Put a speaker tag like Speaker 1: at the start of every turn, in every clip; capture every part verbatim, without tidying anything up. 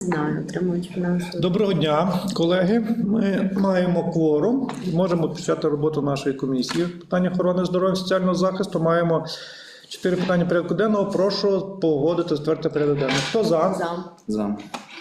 Speaker 1: Знаю, отримують фінансову.
Speaker 2: Доброго дня, колеги. Ми маємо кворум і можемо почати роботу нашої комісії. Питання охорони здоров'я і соціального захисту. Маємо чотири питання порядку денного. Прошу погодити затвердити порядок денний. Хто за?
Speaker 1: За.
Speaker 3: За.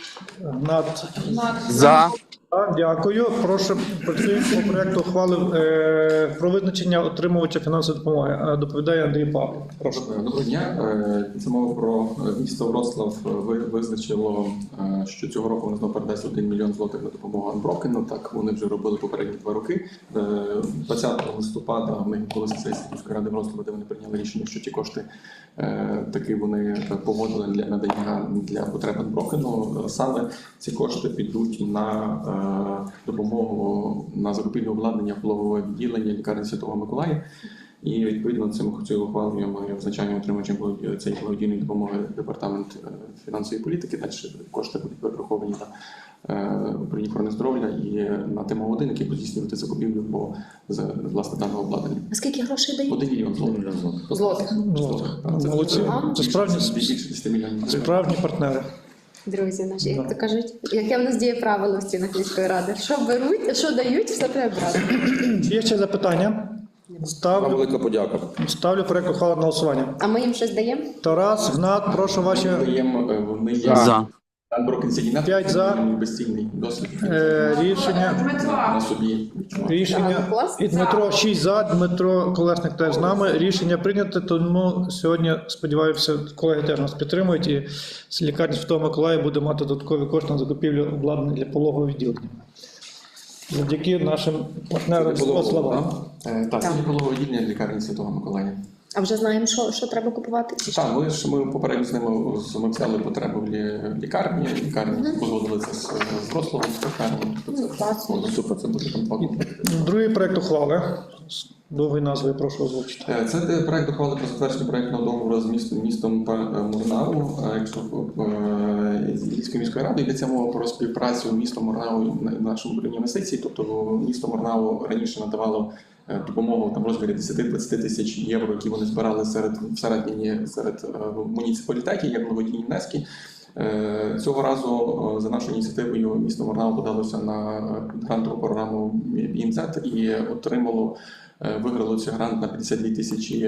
Speaker 2: Над.
Speaker 4: За.
Speaker 2: Так, дякую. Прошу працюємо по проєкту ухвали е, про визначення отримувача фінансової допомоги. Е, Доповідає Андрій Павлов. Прошу.
Speaker 3: Доброго дня. Е, Це мова про місто Вроцлав ви- визначило, е, що цього року вони знову передасть один мільйон злотих на допомогу Анброкену. Так вони вже робили попередні два роки. Е, двадцятого листопада в них була сесія міської ради Вроцлава, де вони прийняли рішення, що ті кошти е, таки вони погодили для надання для потреб Анброкену. Саме ці кошти підуть на е, допомогу на закупівлю обладнання пологового відділення лікарні Святого Миколая. І відповідно цим цією ухвалою ми визначаємо отримувачем цієї благодійної допомоги департамент фінансової політики. Далі кошти будуть перераховані на управління охорони здоров'я і на тему один, який буде здійснювати закупівлю по власне даного обладнання.
Speaker 1: А скільки грошей дають?
Speaker 3: Один мільйон злотих.
Speaker 1: Злотих.
Speaker 2: Молодці. Це справді,
Speaker 3: більше десяти мільйонів.
Speaker 2: справжні партнери.
Speaker 1: Друзі наші, як то кажуть, яке в нас діє правило в стінах міської ради? Що беруть, що дають, все треба брати.
Speaker 2: Чи є ще запитання?
Speaker 4: Вам
Speaker 2: Ставлю,
Speaker 4: велика подяка.
Speaker 2: ставлю проєкт ухвали на голосування.
Speaker 1: А ми їм щось даємо?
Speaker 2: Тарас, Гнат, прошу ваші
Speaker 3: Даємо, е, Вони є
Speaker 4: За.
Speaker 3: Анброкен Сігінат,
Speaker 2: П'ять за.
Speaker 3: безцінний досвід
Speaker 2: е, рішення.
Speaker 3: на собі.
Speaker 2: Рішення.
Speaker 1: Ага, клас.
Speaker 2: І Дмитро шість за, Дмитро Колесник теж з нами. Рішення прийнято, тому сьогодні, сподіваюся, колеги теж нас підтримують і з лікарні Святого Миколая буде мати додаткові кошти на закупівлю обладнання для пологового відділення. Завдяки нашим партнерам з Вроцлава.
Speaker 3: Е, Так, це пологове відділення лікарні Святого Миколая.
Speaker 1: А вже знаємо, що, що треба купувати? Чи що?
Speaker 3: Так, ми ж ми попередньо з ними з- ми взяли потребу в лі- лікарні. Лікарні погодили це з, з Вроцлавом, з лікарні. Тобто це
Speaker 1: класно.
Speaker 3: ну, супер, це буде там два комплекти.
Speaker 2: Другий проєкт ухвали. З довгою назвою прошу озвучити.
Speaker 3: Е, Це де проект ухвали про затвердження проектного договору з містом містом Па- Мурнау, е, якщо е, з Львівською міською радою йдеться мова про співпрацю міста Мурнау на нашому управлінні інвестицій. Тобто місто Мурнау раніше надавало е, допомогу там в розмірі десять-двадцять тисяч євро, які вони збирали серед всередині серед е, муніципалітетів, як благодійні внески. Е, Цього разу е, за нашою ініціативою місто Мурнау подалося на грантову програму Бі Ем Зет і отримало, е, виграло цей грант на п'ятдесят дві тисячі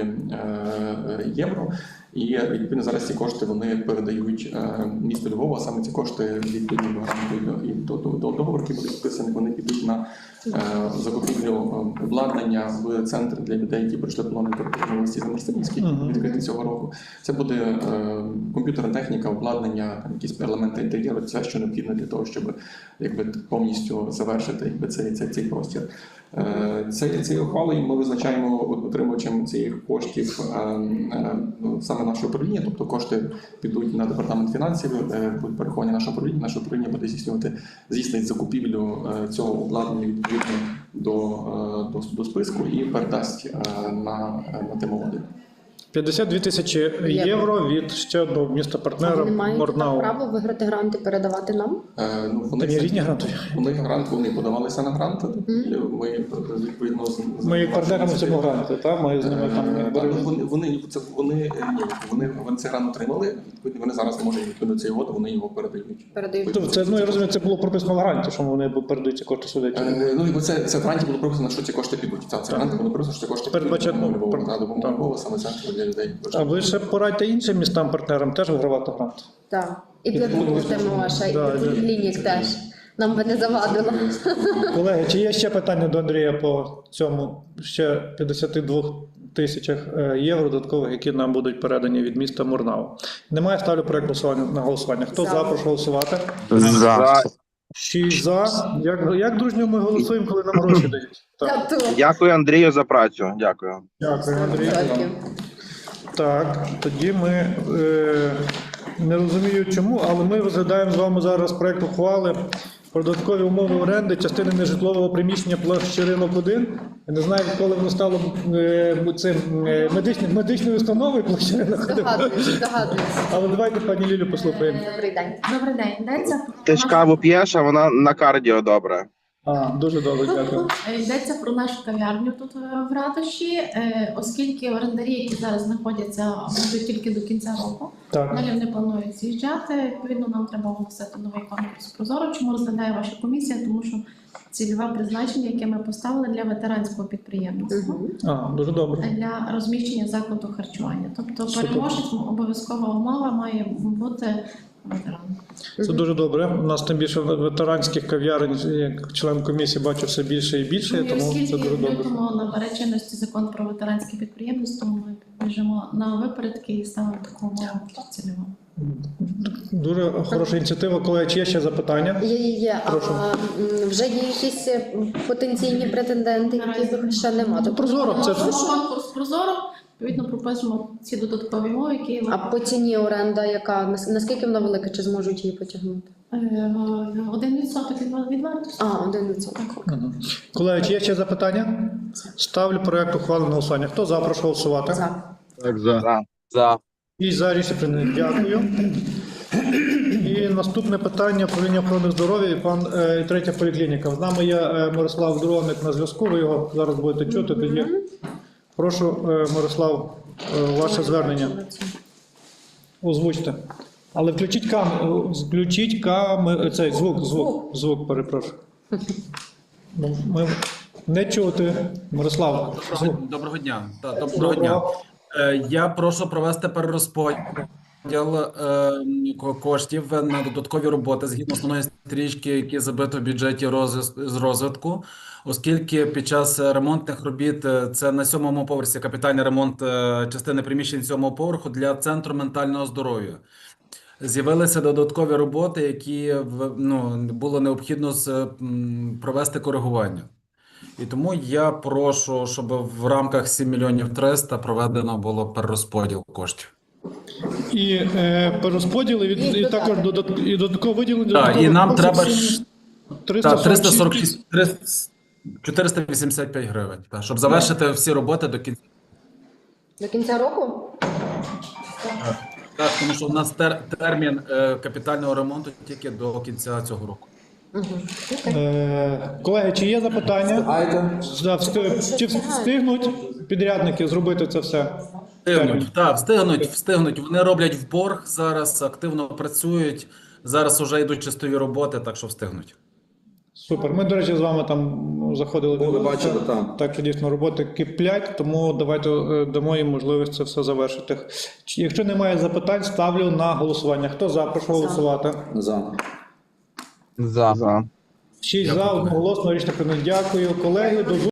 Speaker 3: е, євро. І відповідно зараз ці кошти вони передають е, місту Львова. Саме ці кошти відповідно до гранту і до, до, до договору, які будуть підписані, вони підуть на е, закупівлю е, обладнання в центр для людей, які пройшли полонені території за Марсинівський, відкритий цього року. Це буде е, комп'ютерна техніка, обладнання, там, якісь елементи інтер'єру, все, що необхідно для того, щоб якби повністю завершити якби, цей, цей, цей простір. Е, Цією цією ухвалою ми визначаємо отримувачем цих коштів е, е, саме наше управління, тобто кошти підуть на департамент фінансів, е, будуть переховані наше управління. Наше управління буде здійснювати здійснить закупівлю е, цього обладнання відповідно до, е, до, до списку і передасть е, на, на тему один.
Speaker 2: п'ятдесят дві тисячі євро від ще одного міста партнера
Speaker 1: Вони мають
Speaker 2: Мурнау.
Speaker 1: право виграти гранти, передавати нам?
Speaker 3: Е, Ну, вони,
Speaker 2: Там є різні грантові.
Speaker 3: вони грант, вони подавалися на грант. І ми е, відповідно з- з-
Speaker 2: Ми як партнерами в цьому гранті, так? Ми з ними там
Speaker 3: Е, так,
Speaker 2: боролися.
Speaker 3: ну, вони, вони, це, вони, е, ні, вони, вони цей грант отримали, відповідно, вони зараз можуть відповідно до цієї угоди, вони його передають.
Speaker 1: Передають.
Speaker 2: Тобто це, ну, я розумію, це було прописано в гранті, що вони передають ці кошти сюди.
Speaker 3: Е, Ну, і це, це в гранті було прописано, що ці кошти підуть. Це, це грант було прописано, що ці кошти
Speaker 2: Передбачено,
Speaker 3: підуть. Допомога
Speaker 2: пер-
Speaker 3: Львова, та, допомога
Speaker 2: так.
Speaker 3: Львова, саме центру для людей.
Speaker 2: А ви ще порадьте іншим містам-партнерам теж вигравати грант.
Speaker 1: Так. І для будемо ваша, і
Speaker 2: Да,
Speaker 1: для
Speaker 2: да.
Speaker 1: поліклінік теж. Нам би не завадило.
Speaker 2: Колеги, чи є ще питання до Андрія по цьому ще п'ятдесят два тисячах е, євро додаткових, які нам будуть передані від міста Мурнау? Немає, ставлю проект голосування на голосування. Хто
Speaker 1: За.
Speaker 2: за, прошу голосувати.
Speaker 4: За.
Speaker 2: Шість за. Як, як дружньо ми голосуємо, коли нам гроші дають? Так.
Speaker 1: Та то.
Speaker 4: Дякую, Андрію, за працю. Дякую.
Speaker 2: Дякую, Андрій.
Speaker 1: Дякую.
Speaker 2: Так, тоді ми е, не розумію чому, але ми розглядаємо з вами зараз проект ухвали про додаткові умови оренди частини нежитлового приміщення площі ринок один. Я не знаю, відколи воно стало е, цим е, медичним, медичною установою площі ринок один.
Speaker 1: Догадуюсь, догадуюсь.
Speaker 2: Але давайте пані Лілю послухаємо.
Speaker 1: Добрий день.
Speaker 5: Добрий день. Йдеться
Speaker 4: Ти ж каву п'єш, а вона на кардіо добре.
Speaker 2: А, дуже добре, дякую.
Speaker 5: Е, Йдеться про нашу кав'ярню тут е, в ратуші, е, оскільки орендарі, які зараз знаходяться, будуть тільки до кінця року.
Speaker 2: Так.
Speaker 5: Далі вони планують з'їжджати. Відповідно, нам треба оголосити новий конкурс Прозоро. Чому розглядає ваша комісія? Тому що цільове призначення, яке ми поставили для ветеранського підприємництва,
Speaker 2: А, дуже добре.
Speaker 5: для розміщення закладу харчування. Тобто
Speaker 2: Супер.
Speaker 5: переможець обов'язкова умова має бути ветеран.
Speaker 2: Це дуже добре. У нас тим більше ветеранських кав'ярень, як член комісії, бачу все більше і більше,
Speaker 5: Ну, і
Speaker 2: тому це
Speaker 5: оскільки
Speaker 2: дуже
Speaker 5: в
Speaker 2: добре.
Speaker 5: лютому набере чинності закон про ветеранське підприємництво, ми біжимо на випередки і ставимо таку умову цільову.
Speaker 2: Дуже хороша ініціатива. Колеги, чи є ще запитання?
Speaker 1: Є, є, є. А
Speaker 2: Прошу.
Speaker 1: м, вже є якісь е, потенційні претенденти, які ще немає. Тобто,
Speaker 2: Прозоро, це ж
Speaker 5: Тому конкурс Прозоро, відповідно, пропишемо ці додаткові умови, які
Speaker 1: а по ціні оренда, яка нас- наскільки вона велика, чи зможуть її потягнути?
Speaker 5: Е, один відсоток від від вартості.
Speaker 1: А, один відсоток.
Speaker 2: Мгм. Колеги, чи є ще запитання? Ставлю проект ухвали на голосування. Хто за, прошу голосувати.
Speaker 1: За.
Speaker 4: Так, за. За. За.
Speaker 2: І за рішення прийнято. Дякую. І наступне питання управління охорони здоров'я і пан е, і третя поліклініка. З нами є е, Мирослав Дроник на зв'язку. Ви його зараз будете чути. Тоді прошу, е, Мирослав, е, ваше звернення. Озвучте. Але включіть кам, е, включіть кам, цей звук, звук, звук, перепрошую. Ну, Ми не чути. Мирослав, звук.
Speaker 6: Доброго дня. Та, доброго дня.
Speaker 2: Доброго.
Speaker 6: Е, Я прошу провести перерозподіл е, ко- коштів на додаткові роботи згідно основної стрічки, які забито в бюджеті розвис- з розвитку, оскільки під час ремонтних робіт е, це на сьомому поверсі капітальний ремонт е, частини приміщень сьомого поверху для центру ментального здоров'я. З'явилися додаткові роботи, які в- ну, було необхідно з, м, провести коригування. І тому я прошу, щоб в рамках сім мільйонів триста проведено було перерозподіл коштів.
Speaker 2: І е, перерозподіл, і, від, і також додат, і додатково виділення.
Speaker 6: Так, і нам треба ж
Speaker 2: триста
Speaker 6: та, триста сорок шість, триста чотириста вісімдесят п'ять гривень, та, щоб завершити всі роботи до кінця.
Speaker 1: До кінця року?
Speaker 6: Так, тому що у нас тер, термін е, капітального ремонту тільки до кінця цього року.
Speaker 2: Е, колеги, чи є запитання? Да, встиг- чи встигнуть підрядники зробити це все?
Speaker 6: Встигнуть, так, встигнуть, встигнуть. Вони роблять в борг зараз, активно працюють. Зараз вже йдуть чистові роботи, так що встигнуть.
Speaker 2: Супер. Ми, до речі, з вами там заходили.
Speaker 7: Були,
Speaker 2: дивилися.
Speaker 7: бачили, так.
Speaker 2: Так що дійсно роботи киплять, тому давайте е, дамо їм можливість це все завершити. Чи- Якщо немає запитань, ставлю на голосування. Хто за, прошу голосувати.
Speaker 7: За.
Speaker 4: За. За.
Speaker 2: Шість за, одноголосно, рішення прийнято. Дякую, колеги. До